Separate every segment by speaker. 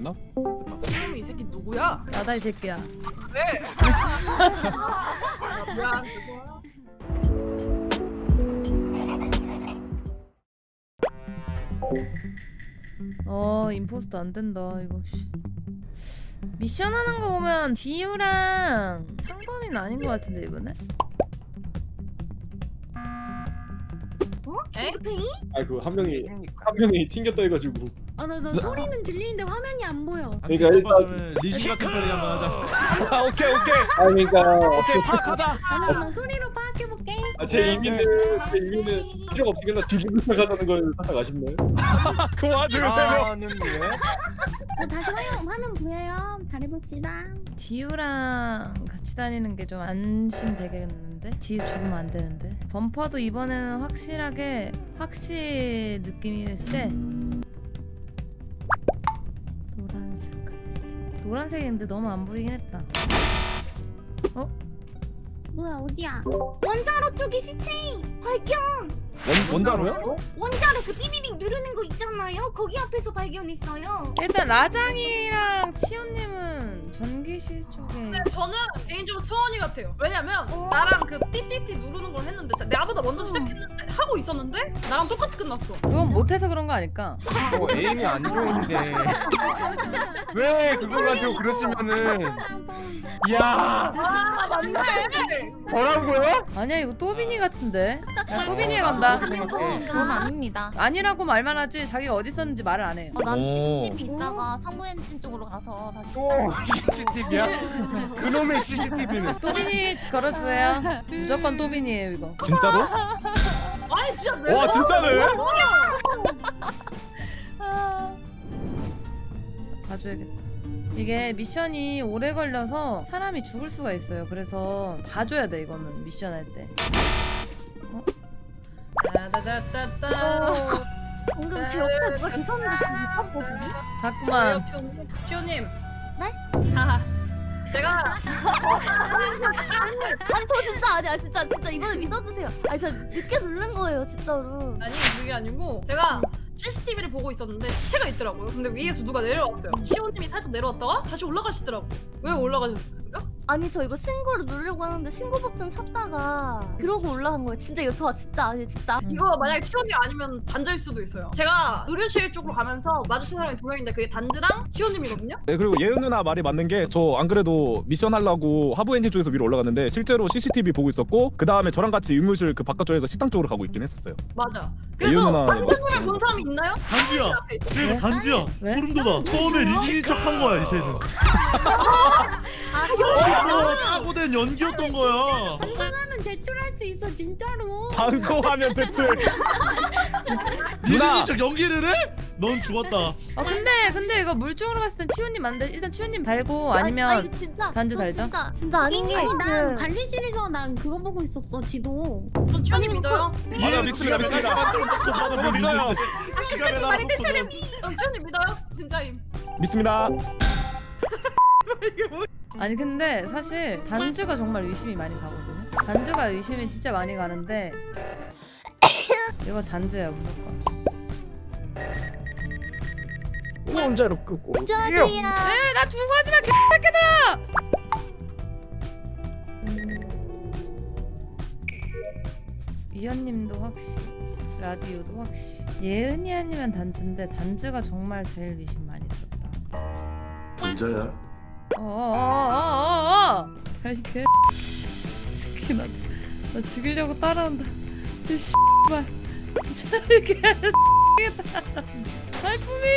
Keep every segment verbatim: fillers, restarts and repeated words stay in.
Speaker 1: 됐나?
Speaker 2: 그럼 이 새끼 누구야?
Speaker 3: 나다 이 새끼야.
Speaker 2: 왜? 아, 미안. 죄송해요.
Speaker 3: 어 임포스터 안 된다 이거. 씨. 미션 하는 거 보면 디유랑 상범이는 아닌 것 같은데 이번에?
Speaker 4: 어?
Speaker 2: 에?
Speaker 4: 킹크팽이?
Speaker 1: 아 그 한 명이 한 명이 튕겼다 해가지고.
Speaker 4: 아나 나 소리는 들리는데 화면이 안 보여.
Speaker 1: 그러니까 일단
Speaker 5: 리신 같은 플레이 한번 하자.
Speaker 1: 아 오케이 오케이. 아 그러니까
Speaker 6: 오케이 파악하자.
Speaker 4: 아나 나 소리로 파악해볼게.
Speaker 1: 아, 제 의미는 제 의미는 필요가 없이 그냥 뒤집고 시작하자는 걸 살짝 아쉽네.
Speaker 6: 그 와중에 세 명.
Speaker 5: 아는 왜?
Speaker 4: 어, 다시 화면 화면 보여요. 잘해봅시다.
Speaker 3: 디유랑 같이 다니는 게 좀 안심 되겠는데? 디유 죽으면 안 되는데. 범퍼도 이번에는 확실하게 확실 느낌이 세. 노란색 갈색. 노란색인데 너무 안 보이긴 했다. 어?
Speaker 4: 뭐야 어디야? 원자로 쪽에 시체 발견.
Speaker 6: 원 원자로요?
Speaker 4: 원자로 그 삐비빅 누르는 거 있잖아요. 거기 앞에서 발견했어요.
Speaker 3: 일단 라장이랑 치호님은 전기실 쪽에.
Speaker 2: 근데 저는 개인적으로 수원이 같아요. 왜냐면
Speaker 4: 어?
Speaker 2: 나랑 그 띠띠띠 누르는 걸 했는데 자, 나보다 먼저 시작했는데 하고 있었는데 나랑 똑같이 끝났어.
Speaker 3: 그건 못해서 그런 거 아닐까?
Speaker 6: 뭐 에임이 안 좋은데 왜 그걸 가지고 그러시면은 이야
Speaker 2: 아 맞네.
Speaker 6: 뭐라고요?
Speaker 3: 아니야 이거 또비니 같은데. 야 또비니에 간다.
Speaker 7: 그건 아닙니다.
Speaker 3: 아니라고 말만 하지 자기가 어디 있었는지 말을 안 해요.
Speaker 7: 어, 난
Speaker 6: 오.
Speaker 7: 씨씨티비 있다가 상부 엔진 쪽으로 가서 다시.
Speaker 6: 또 씨씨티비야? 그놈의 씨씨티비는
Speaker 3: 또비니 걸어주세요. 무조건 또비니에요 이거.
Speaker 6: 진짜로?
Speaker 2: 아니 진짜 왜?
Speaker 6: 와 진짜네?
Speaker 3: 봐줘야겠다. 이게 미션이 오래 걸려서 사람이 죽을 수가 있어요. 그래서 봐줘야 돼 이거는 미션 할 때. 어?
Speaker 2: 따다다다다.
Speaker 7: 방금 제 옆에 누가 계셨는데 못 봤거든요?
Speaker 3: 자꾸만.
Speaker 2: 치호님.
Speaker 7: 네?
Speaker 2: 하하. 제가
Speaker 7: 아니 저 진짜 아니야 진짜 진짜 이번에 믿어주세요. 아니 저 늦게 누른 거예요 진짜로.
Speaker 2: 아니 그게 아니고 제가 씨씨티비를 보고 있었는데 시체가 있더라고요. 근데 위에서 누가 내려왔어요. 치호님이 살짝 내려왔다가 다시 올라가시더라고요. 왜 올라가셨어요?
Speaker 7: 아니 저 이거 신고를 누르려고 하는데 신고 버튼 찾다가 그러고 올라간 거예요. 진짜 이거 저 진짜 아니 진짜.
Speaker 2: 이거 만약에 치호님 아니면 단자일 수도 있어요. 제가 의료실 쪽으로 가면서 마주친 사람이 두 명인데 그게 단즈랑 치호님이거든요.
Speaker 6: 네 그리고 예은 누나 말이 맞는 게 저 안 그래도 미션 하려고 하부 엔진 쪽에서 위로 올라갔는데 실제로 씨씨티비 보고 있었고 그 다음에 저랑 같이 의무실 그 바깥쪽에서 식당 쪽으로 가고 있긴 했었어요.
Speaker 2: 맞아.
Speaker 6: 예은
Speaker 2: 그래서
Speaker 6: 누나
Speaker 2: 단즈님을 본 사람이 있나요?
Speaker 5: 단지야.
Speaker 3: 왜?
Speaker 5: 내가 단지야.
Speaker 3: 왜?
Speaker 5: 소름 돋아. 처음에 리신인 척한 거야 이제는.
Speaker 7: 아
Speaker 5: 이거 따고 된 연기였던 거야.
Speaker 4: 방송하면 제출할 수 있어 진짜로.
Speaker 6: 방송하면 대출
Speaker 5: 리신인 척 연기를 해? 넌 죽었다.
Speaker 3: 어 근데 근데 이거 물중으로 봤을 땐 치호님 안 돼. 일단 치호님 달고 아니면
Speaker 7: 아니, 아니, 진짜,
Speaker 3: 단지
Speaker 7: 저
Speaker 3: 달죠?
Speaker 7: 진짜 진짜 아닌 게
Speaker 4: 아니 난
Speaker 7: 그-
Speaker 4: 관리실에서 난 그거 보고 있었어 지도.
Speaker 2: 저 치호님 믿어요.
Speaker 6: 맞아, 믿습니다, 믿습니다.
Speaker 5: 만들어 놓고 저는
Speaker 6: 저도 믿어요.
Speaker 5: 믿는데 시간에 따라 놓고 저는
Speaker 2: 저 치호님 믿어요. 진짜임.
Speaker 6: 믿습니다.
Speaker 2: 이게 뭐야?
Speaker 3: 아니 근데 사실 단즈가 정말 의심이 많이 가거든요. 단즈가 의심이 진짜 많이 가는데 이거 단즈야 무조건.
Speaker 6: 혼자로 끄고
Speaker 7: 저도요.
Speaker 3: 에나 두고 하지마 개새끼들아. 이현님도 확실, 라디오도 확실. 예은이 아니면 단즈인데 단즈가 정말 제일 의심 많이 들었다.
Speaker 8: 진짜야?
Speaker 3: 어어어어어어! 야이 개 새끼 나, 나 죽이려고 따라온다. 이 씨발 저리 개새끼다. 발품이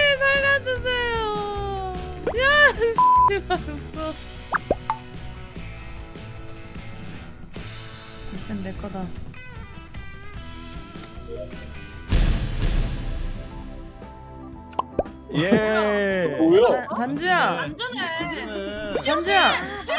Speaker 3: 살려주세요. 야 씨발 없어. 미션 내 거다.
Speaker 6: 예.
Speaker 1: 뭐야?
Speaker 3: 단- 단주야,
Speaker 2: 안전해.
Speaker 3: 단주야.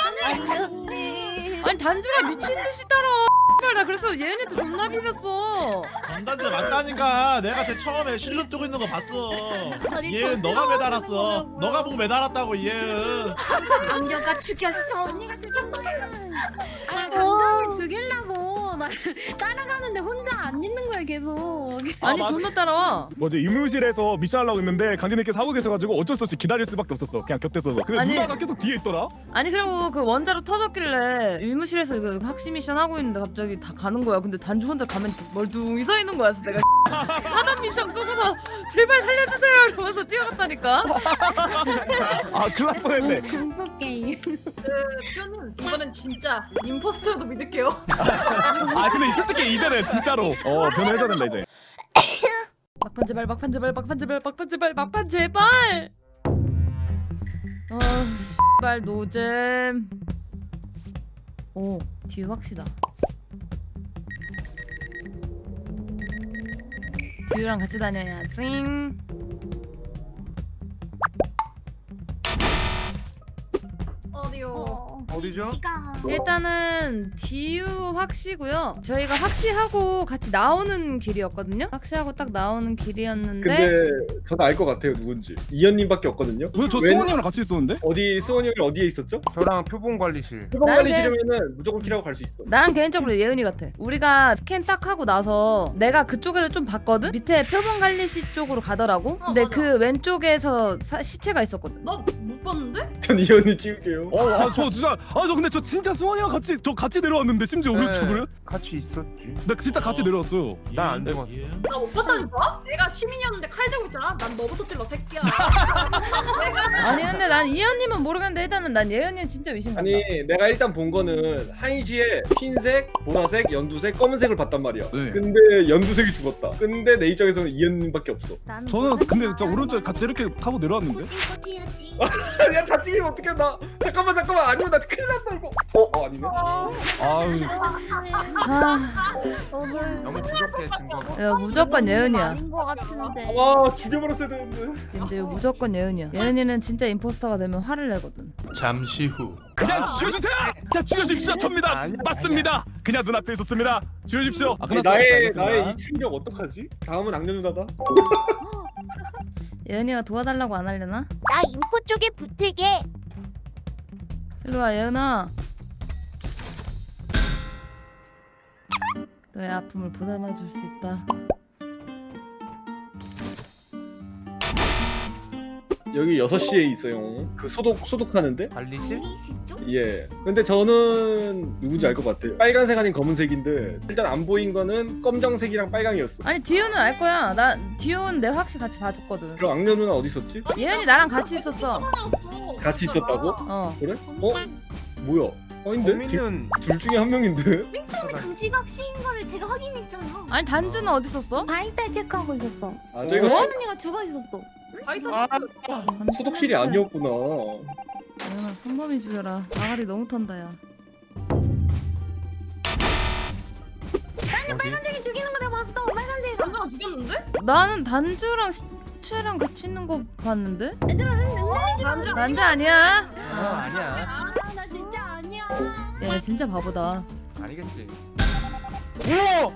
Speaker 7: 언니.
Speaker 3: 아니 단주가 미친 듯이 따라와. 씨발 나 그래서 얘네도 존나 비볐어.
Speaker 5: 전단지 맞다니까. 내가 제 처음에 실눈 뜨고 있는 거 봤어.
Speaker 7: 아니,
Speaker 5: 얘은
Speaker 7: 저
Speaker 5: 너가 매달았어.
Speaker 7: 보려고요.
Speaker 5: 너가 보고 매달았다고 얘은.
Speaker 4: 안겨가 죽였어. 언니가 죽였어. 아 감정을 죽이려고
Speaker 8: 나 따라가는데 혼자 안 있는 거야 계속.
Speaker 3: 아니
Speaker 6: 맞아.
Speaker 3: 존나 따라와.
Speaker 6: 뭐지 의무실에서 미션 하려고 했는데 강진님께서 하고 계셔가지고 어쩔 수 없이 기다릴 수밖에 없었어. 그냥 곁에 서서. 근데
Speaker 3: 아니.
Speaker 6: 누나가 계속 뒤에 있더라.
Speaker 3: 아니 그리고 그 원자로 터졌길래 의무실에서 이거 학시 미션 하고 있는데 갑자기 다 가는 거야. 근데 단주 혼자 가면 멀뚱히 서 있는 거였어. 내가 하단 미션 끄고서 제발 살려주세요 이러면서 뛰어갔다니까.
Speaker 6: 아 큰일 날 뻔했네.
Speaker 8: 공포 게임.
Speaker 2: 그 시온님 이번엔 진짜 임포스터여도 믿을게요.
Speaker 6: 아 근데 솔직히 이제는 진짜로 어 변해야 된다 이제.
Speaker 3: 막판 제발 막판 제발 막판 제발 막판 제발 막판 제발. 어 씨발 노잼. 오 뒤에 확시다. 뒤유랑 같이 다녀야 띵.
Speaker 2: 어디요?
Speaker 4: 어,
Speaker 5: 어디죠?
Speaker 4: 위치가
Speaker 3: 일단은 디유 확시고요. 저희가 확시하고 같이 나오는 길이었거든요. 확시하고 딱 나오는 길이었는데
Speaker 1: 근데 저도 알 것 같아요 누군지. 이현님밖에 없거든요.
Speaker 6: 오늘 저
Speaker 1: 웬-
Speaker 6: 수원이랑 같이 있었는데?
Speaker 1: 어디 수원이 형이 어디에 있었죠?
Speaker 9: 저랑 표본관리실.
Speaker 1: 표본관리
Speaker 3: 나는-
Speaker 1: 지르면은 무조건 키라고 갈 수 있어.
Speaker 3: 나는 개인적으로 예은이 같아. 우리가 스캔 딱 하고 나서 내가 그쪽을 좀 봤거든. 밑에 표본 관리실 쪽으로 가더라고. 근데
Speaker 2: 맞아.
Speaker 3: 그 왼쪽에서 사- 시체가 있었거든.
Speaker 2: 나 못 봤는데?
Speaker 1: 전 이현님 찍을게요.
Speaker 6: 어아저 진짜 아 저 근데 저 진짜 수원이랑 같이 저 같이 내려왔는데 심지어
Speaker 9: 네.
Speaker 6: 오른쪽으로.
Speaker 9: 같이 있었지.
Speaker 6: 나 진짜 같이 내려왔어요.
Speaker 9: 난 안 죽었어.
Speaker 2: 나 못 봤다니까? 내가 시민이었는데 칼 들고 있잖아. 난 너부터 찔러 새끼야. 내가
Speaker 3: 아니 근데 난 이현님은 모르겠는데 일단은 난 예은이는 진짜 의심간다.
Speaker 1: 아니 내가 일단 본 거는 한시에 흰색, 보라색, 연두색, 검은색을 봤단 말이야.
Speaker 6: 네.
Speaker 1: 근데 연두색이 죽었다. 근데 내 입장에서는 이현님밖에 없어.
Speaker 4: 나는
Speaker 6: 저는
Speaker 4: 모르겠다.
Speaker 6: 근데 저 오른쪽 같이 이렇게 타고 내려왔는데.
Speaker 4: 소신껏 해야지.
Speaker 1: 야 다 찍으면 어떡해 나. 잠깐만 잠깐만 아니면 나 큰일 났다 이거. 어, 어 아니네.
Speaker 6: 아유
Speaker 3: 아,
Speaker 7: 오늘
Speaker 9: 너무 부족해 증거가.
Speaker 3: 야 무조건 예은이야.
Speaker 7: 아닌 것 같은데.
Speaker 1: 와 죽여버렸어야 되는데.
Speaker 3: 근데 이거 무조건 예은이야. 예은이는 진짜 임포스터가 되면 화를 내거든.
Speaker 10: 잠시 후
Speaker 6: 그냥 죽여주세요. 그냥 죽여주십시오. 접니다.
Speaker 9: 아니야,
Speaker 6: 맞습니다. 그냥 눈앞에 있었습니다. 죽여주십시오. 아
Speaker 1: 아니,
Speaker 6: 끝났어요.
Speaker 1: 나의
Speaker 6: 알겠습니다.
Speaker 1: 나의 이 충격 어떡하지? 다음은 악녀 누나다.
Speaker 3: 예은이가 도와달라고 안 하려나?
Speaker 7: 나 인포 쪽에 붙을게.
Speaker 3: 일로 와 예은아. 너의 아픔을 보담아줄 수 있다.
Speaker 1: 여기 여섯 시에 있어요. 그 소독 소독하는데.
Speaker 9: 관리실?
Speaker 4: 리시 쪽?
Speaker 1: 예. 근데 저는 누군지 알 것 같아요. 빨간색 아닌 검은색인데 일단 안 보인 거는 검정색이랑 빨강이었어.
Speaker 3: 아니 디오는 알 거야. 나 디오는 내 확실히 같이 봐줬거든.
Speaker 1: 그럼 악녀 누나 어디 있었지?
Speaker 3: 예은이 나랑 같이 있었어.
Speaker 1: 같이 있었다고?
Speaker 3: 어.
Speaker 1: 그래? 어? 뭐야? 아닌데? 둘,
Speaker 9: 범인은
Speaker 1: 둘 중에 한 명인데?
Speaker 4: 맨 처음에 강지각 시인 거를 제가 확인했어요.
Speaker 3: 아니 단주는 어디 있었어?
Speaker 8: 바이탈 체크하고 있었어.
Speaker 1: 아 저희가
Speaker 8: 어? 언니가 죽어 있었어.
Speaker 2: 바이터
Speaker 9: 아,
Speaker 1: 소독실이 아니었구나.
Speaker 3: 예은아 성범이 죽여라. 나가리 너무 턴다 야.
Speaker 9: 어디?
Speaker 8: 빨간색이 죽이는 거 내가 봤어. 빨간색.
Speaker 2: 남자가 죽였는데?
Speaker 3: 나는 단주랑 시체랑 같이 있는 거 봤는데?
Speaker 8: 얘들아 흔들리지 마.
Speaker 2: 남자
Speaker 3: 난자 아니야.
Speaker 9: 어, 아니야.
Speaker 8: 아, 나 진짜 아니야.
Speaker 3: 얘 진짜 바보다.
Speaker 9: 아니겠지.
Speaker 5: 오!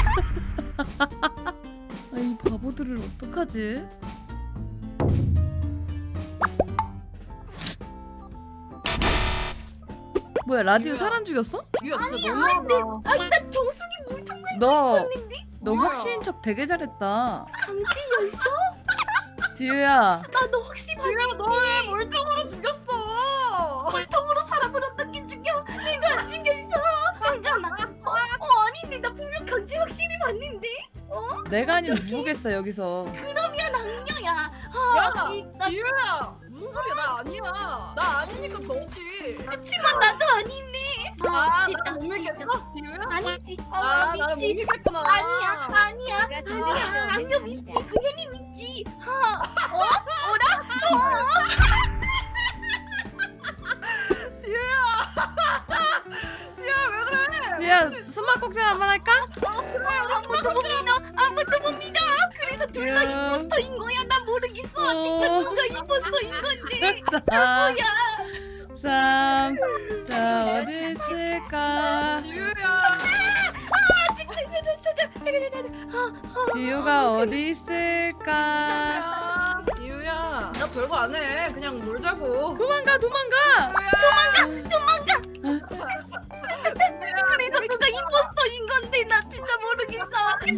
Speaker 3: 아, 이 바보들을 어떡하지? 뭐야 라디오 사람 죽였어?
Speaker 2: 죽였어. 너무
Speaker 4: 아니 나 정수기 물통
Speaker 3: 너, 너 확신인 척 되게 잘했다.
Speaker 4: 강지였어?
Speaker 3: 디유야.
Speaker 4: 나너 혹시
Speaker 2: 야, 너왜 멀쩡으로 죽였어?
Speaker 4: 물통으로 사람을 어떻게 죽여? 내가 안 죽였어. 잠깐만. 어, 어 아닌데 나 분명 강지 확실히 봤는데.
Speaker 3: 내가 아니면 누구겠어 여기서.
Speaker 4: 그러면 악녀야.
Speaker 2: 야,
Speaker 4: 아, 이- 나
Speaker 2: 이유야 무슨 소리야? 나 아니야. 나 아니니까 너지.
Speaker 4: 그치만 나도 아닌데.
Speaker 2: 아,
Speaker 4: 됐다.
Speaker 2: 나못 믿겠어? 이유야?
Speaker 4: 아니지. 어,
Speaker 2: 아, 나는 못
Speaker 4: 믿지.
Speaker 2: 믿겠구나.
Speaker 4: 아니야, 아니야,
Speaker 8: 내가
Speaker 4: 아니야.
Speaker 8: 강지가
Speaker 4: 악녀
Speaker 8: 믿지.
Speaker 4: 믿지. 당연히 믿지. 하, 어?
Speaker 2: 야, 왜 그래?
Speaker 3: 야 숨막꼭질 한번 할까?
Speaker 4: 아무도 못 믿어. 아무도 못 믿어. 그래서 둘 다
Speaker 3: 야.
Speaker 4: 임포스터인 거야. 난 모르겠어.
Speaker 3: 어.
Speaker 4: 진짜 누가 임포스터인 건데.
Speaker 3: 사,
Speaker 4: 뭐야?
Speaker 3: 삼. 자 어디 있을까?
Speaker 2: 이유야.
Speaker 3: 디유가 어디 있을까?
Speaker 2: 야, 이유야. 나 별거 안 해. 그냥 놀자고.
Speaker 3: 도망가 도망가.
Speaker 2: 이유야.
Speaker 4: 그래서
Speaker 7: 누가 임포스터인 건데 나 진짜 모르겠어.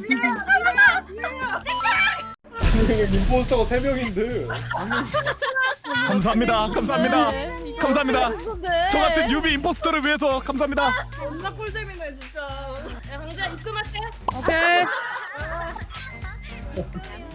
Speaker 1: 임포스터가 세 명인데.
Speaker 6: 감사합니다. 감사합니다. 감사합니다.
Speaker 3: 네.
Speaker 6: 저 같은 유비 임포스터를 위해서 감사합니다.
Speaker 2: 존나 꿀잼이네 진짜. 야 강재야 입금할게.
Speaker 3: 오케이.